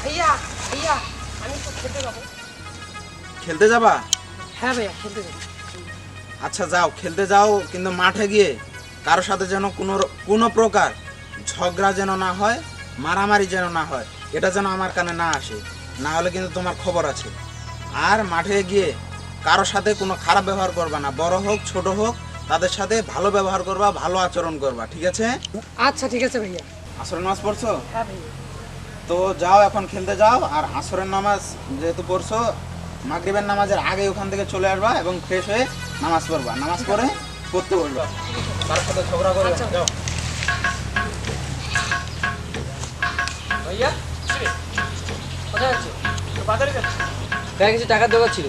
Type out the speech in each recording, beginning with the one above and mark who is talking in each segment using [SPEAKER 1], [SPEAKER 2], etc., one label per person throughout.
[SPEAKER 1] ভাইয়া ভাইয়া আমি তো খেতে যাবো।
[SPEAKER 2] খেলতে যাবা?
[SPEAKER 1] হ্যাঁ ভাইয়া খেলতে যাবো।
[SPEAKER 2] আচ্ছা যাও, খেলতে যাও, কিন্তু মাঠে গিয়ে কারোর সাথে যেন কোনো প্রকার ঝগড়া যেন না হয়, মারামারি যেন না হয়, এটা যেন আমার কানে না আসে, না হলে কিন্তু তোমার খবর আছে। আর মাঠে গিয়ে কারোর সাথে কোনো খারাপ ব্যবহার করবা না, বড় হোক ছোট হোক তাদের সাথে ভালো ব্যবহার করবা, ভালো আচরণ করবা, ঠিক আছে?
[SPEAKER 1] আচ্ছা ঠিক আছে ভাইয়া।
[SPEAKER 2] আসরের নামাজ পড়ছো?
[SPEAKER 1] হ্যাঁ ভাইয়া।
[SPEAKER 2] তো যাও, এখন খেলতে যাও। আর আসরের নামাজ যেহেতু পড়ছো, মাগরিবের নামাজের আগে ওখান থেকে চলে আসবা এবং ফ্রেশ হয়ে নামাজ পড়বা, নামাজ পড়ে পড়তে বলবা, তার সাথে ঝগড়া করবে
[SPEAKER 1] আচ্ছা।
[SPEAKER 2] না। যাও।
[SPEAKER 1] ভাইয়া কোথায় আছো? বাজারে যাচ্ছি।
[SPEAKER 3] ভাই কিছু টাকার দরকার ছিল।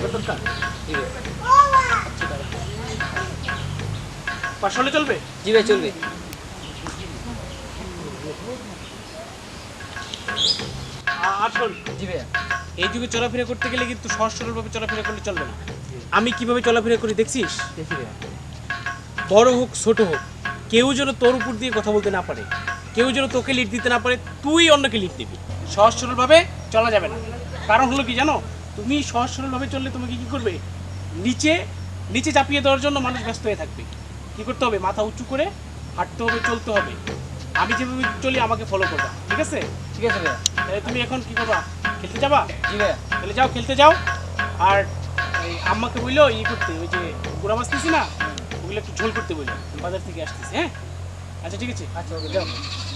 [SPEAKER 1] পাঁচশো হলে চলবে?
[SPEAKER 3] জি ভাই চলবে।
[SPEAKER 4] আর শোন,
[SPEAKER 3] জি ভাইয়া।
[SPEAKER 4] এই যুগে চলাফেরা করতে গেলে কিন্তু সহজ সরলভাবে চলাফেরা করলে চলবে না। আমি কিভাবে চলাফেরা করি দেখছিস?
[SPEAKER 3] দেখি ভাইয়া।
[SPEAKER 4] বড় হোক ছোট হোক, কেউ যেন তোর উপর দিয়ে কথা বলতে না পারে, কেউ যেন তোকে লিড দিতে না পারে, তুই অন্যকে লিড দিবি। সহজ সরলভাবে চলা যাবে না। কারণ হলো কি জানো, তুমি সহজ সরলভাবে চললে তোমাকে কি করবে, নিচে নিচে চাপিয়ে দেওয়ার জন্য মানুষ ব্যস্ত হয়ে থাকবে। কি করতে হবে, মাথা উঁচু করে হাঁটতে হবে, চলতে হবে। আমি যেভাবে চলি আমাকে ফলো করবা, ঠিক আছে?
[SPEAKER 3] ঠিক আছে ভাইয়া।
[SPEAKER 4] তাহলে তুমি এখন কি করবা, খেলতে যাবা?
[SPEAKER 3] জি ভাইয়া।
[SPEAKER 4] তাহলে যাও, খেলতে যাও। আর এই আম্মাকে বললো করতে, ওই যে গুড়া মাছ নিছি না, ওগুলো একটু ঝোল করতে বললো, বাজার থেকে আসতেছি। হ্যাঁ আচ্ছা ঠিক আছে।
[SPEAKER 3] আচ্ছা ওকে যাও।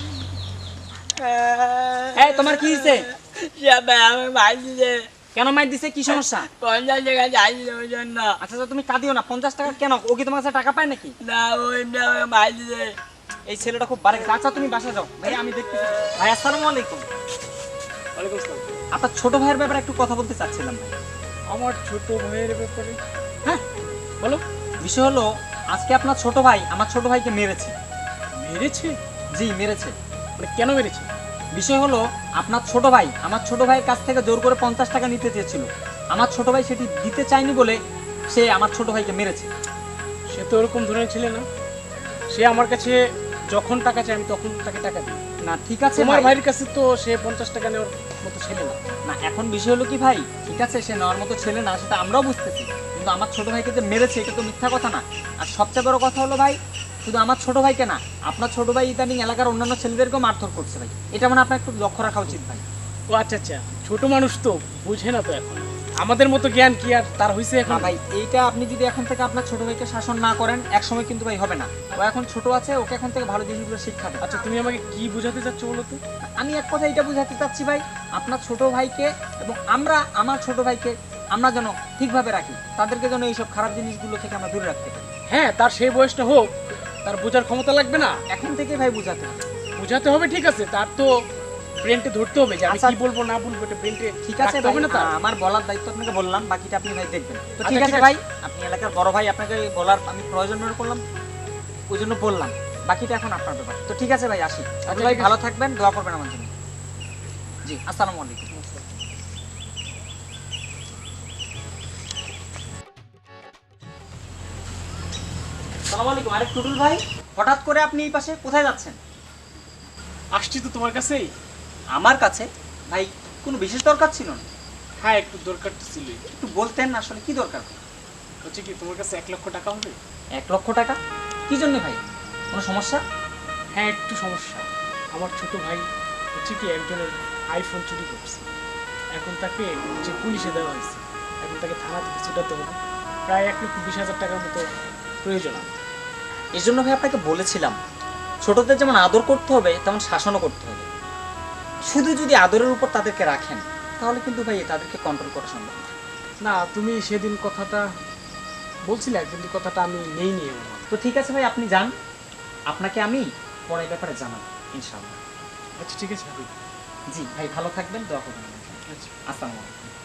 [SPEAKER 3] এই তোমার কি হয়েছে?
[SPEAKER 5] আমি মাইল দিতে
[SPEAKER 3] কেন মাইর দিছে, কি সমস্যা?
[SPEAKER 5] 50 টাকা চাইছিল ওই জন্য।
[SPEAKER 3] আচ্ছা তো তুমি কাঁদিও না, 50 টাকা কেন? ও কি তোমার কাছে টাকা পায় নাকি?
[SPEAKER 5] না ওই আমাকে মাইল দিতে।
[SPEAKER 3] এই ছেলেটা খুব বারে। আচ্ছা তুমি বাসা যাও ভাই, আমি দেখতেছি। ভাই আসসালামু আলাইকুম।
[SPEAKER 4] ওয়ালাইকুম আসসালাম।
[SPEAKER 3] আপনার ছোট ভাইয়ের ব্যাপারে একটু কথা বলতে চাচ্ছিলাম ভাই।
[SPEAKER 4] আমার ছোট ভাইয়ের ব্যাপারে?
[SPEAKER 3] হ্যাঁ
[SPEAKER 4] বলো।
[SPEAKER 3] বিষয় হলো, আজকে আপনার ছোট ভাই আমার ছোট ভাইকে মেরেছে।
[SPEAKER 4] মেরেছে?
[SPEAKER 3] জি মেরেছে।
[SPEAKER 4] মানে কেন মেরেছে?
[SPEAKER 3] বিষয় হলো, আপনার ছোট ভাই আমার ছোট ভাইয়ের কাছ থেকে জোর করে 50 টাকা নিতে চেয়েছিল। আমার ছোট ভাই সেটি দিতে চায়নি বলে সে আমার ছোট ভাইকে মেরেছে।
[SPEAKER 4] সে তো ওরকম ধরনের ছেলে না। সে আমার কাছে যখন টাকা চায় আমি তখন তাকে টাকা দিই।
[SPEAKER 3] না ঠিক আছে
[SPEAKER 4] তোমার
[SPEAKER 3] ভাই।
[SPEAKER 4] ভাইয়ের কাছে তো সে 50 টাকা নেওয়ার মতো ছেলে না।
[SPEAKER 3] না এখন বিষয় হলো কি ভাই, ঠিক আছে সে নেওয়ার মতো ছেলে না, সেটা আমরাও বুঝতেছি, কিন্তু আমার ছোট ভাইকে যে মেরেছে এটা তো মিথ্যা কথা না। আর সবচেয়ে বড় কথা হলো ভাই, শুধু আমার ছোট ভাইকে না, আপনার ছোট ভাই ইদানিং এলাকার অন্যান্য ছেলেদেরকেও মারধর করছে ভাই। এটা মানে আপনার একটু লক্ষ্য রাখা উচিত ভাই।
[SPEAKER 4] ও আচ্ছা আচ্ছা, ছোট মানুষ তো বুঝে না তো এখন। আমাদের মতো জ্ঞান কি আর তার হয়েছে এখন?
[SPEAKER 3] না ভাই, এইটা আপনি যদি এখন থেকে আপনার ছোট ভাইকে শাসন না করেন, এক সময় কিন্তু ভাই হবে না। ও এখন ছোট আছে, ওকে এখন থেকে ভালো জিনিসগুলো শিক্ষা দেন।
[SPEAKER 4] আচ্ছা তুমি আমাকে কি বোঝাতে চাচ্ছ বলো তো?
[SPEAKER 3] আমি এক কথা এটা বুঝাতে চাচ্ছি ভাই, আপনার ছোট ভাইকে এবং আমরা আমার ছোট ভাইকে আমরা যেন ঠিকভাবে রাখি, তাদেরকে যেন এইসব খারাপ জিনিসগুলো থেকে আমরা দূরে রাখতে পারি।
[SPEAKER 4] হ্যাঁ, তার সেই বয়সটা হোক, তার বোঝার ক্ষমতা লাগবে না?
[SPEAKER 3] এখন থেকে ভাই বুঝাতে হবে।
[SPEAKER 4] বোঝাতে হবে, ঠিক আছে। তার তো ব্রেনটে ধরতে হবে যে আমি
[SPEAKER 3] আচ্ছা।
[SPEAKER 4] কি বলবো না বলবো, এটা ব্রেনটে
[SPEAKER 3] ঠিক আছে
[SPEAKER 4] রাখতে
[SPEAKER 3] ভাই,
[SPEAKER 4] হবে না তার?
[SPEAKER 3] আমার বলার দায়িত্ব আপনাকে বললাম, বাকিটা আপনি ভাই দেখবেন। তো
[SPEAKER 4] আচ্ছা,
[SPEAKER 3] ঠিক
[SPEAKER 4] ঠিক
[SPEAKER 3] আছে
[SPEAKER 4] আছে।
[SPEAKER 3] ভাই, আপনি এলাকার বড় ভাই, আপনাকে বলার আমি প্রয়োজন মনে করলাম, ওই জন্য বললাম। বাকিটা এখন আপনার ব্যাপার। তো ঠিক আছে ভাই, আসি। আপনি ভাই
[SPEAKER 4] ঠিক আছে।
[SPEAKER 3] ভালো থাকবেন, দোয়া করবেন আমার জন্য। জি আসসালামু আলাইকুম। আসসালামু আলাইকুম। আরে টুটুল ভাই, হঠাৎ করে আপনি এই পাশে কোথায় যাচ্ছেন?
[SPEAKER 4] আসছি তো তোমার কাছেই।
[SPEAKER 3] আমার কাছে? ভাই কোনো বিশেষ দরকার ছিল না?
[SPEAKER 4] হ্যাঁ, একটু দরকার তো ছিলই।
[SPEAKER 3] একটু বলতেন না আসলে কি দরকার?
[SPEAKER 4] হচ্ছে কি, তোমার কাছে 1 লক্ষ টাকা হবে?
[SPEAKER 3] 1 লক্ষ টাকা? কি জন্য ভাই, কোনো সমস্যা?
[SPEAKER 4] হ্যাঁ, একটু সমস্যা। আমার ছোট ভাই হচ্ছে কি একজনের আইফোন চুরি করছে। এখন তাকে যে পুলিশে দেওয়া হয়েছে, এখন তাকে থানা থেকে ছুটাতে হবে। প্রায় 1,20,000 টাকার মতো প্রয়োজন আমার।
[SPEAKER 3] এই জন্য ভাই আপনাকে বলেছিলাম, ছোটদের যেমন আদর করতে হবে তেমন শাসনও করতে হবে। শুধু যদি আদরের উপর তাদেরকে রাখেন তাহলে কিন্তু ভাই তাদেরকে কন্ট্রোল করা সম্ভব না।
[SPEAKER 4] না, তুমি সেদিন কথাটা বলছিলে, কিন্তু কথাটা আমি নেইনি আমার।
[SPEAKER 3] তো ঠিক আছে ভাই, আপনি যান, আপনাকে আমি পরে এই ব্যাপারে জানাবো ইনশাআল্লাহ।
[SPEAKER 4] আচ্ছা ঠিক আছে হাবিব।
[SPEAKER 3] জি ভাই, ভালো থাকবেন, দোয়া করবেন।
[SPEAKER 4] আচ্ছা।
[SPEAKER 3] আসসালামু আলাইকুম।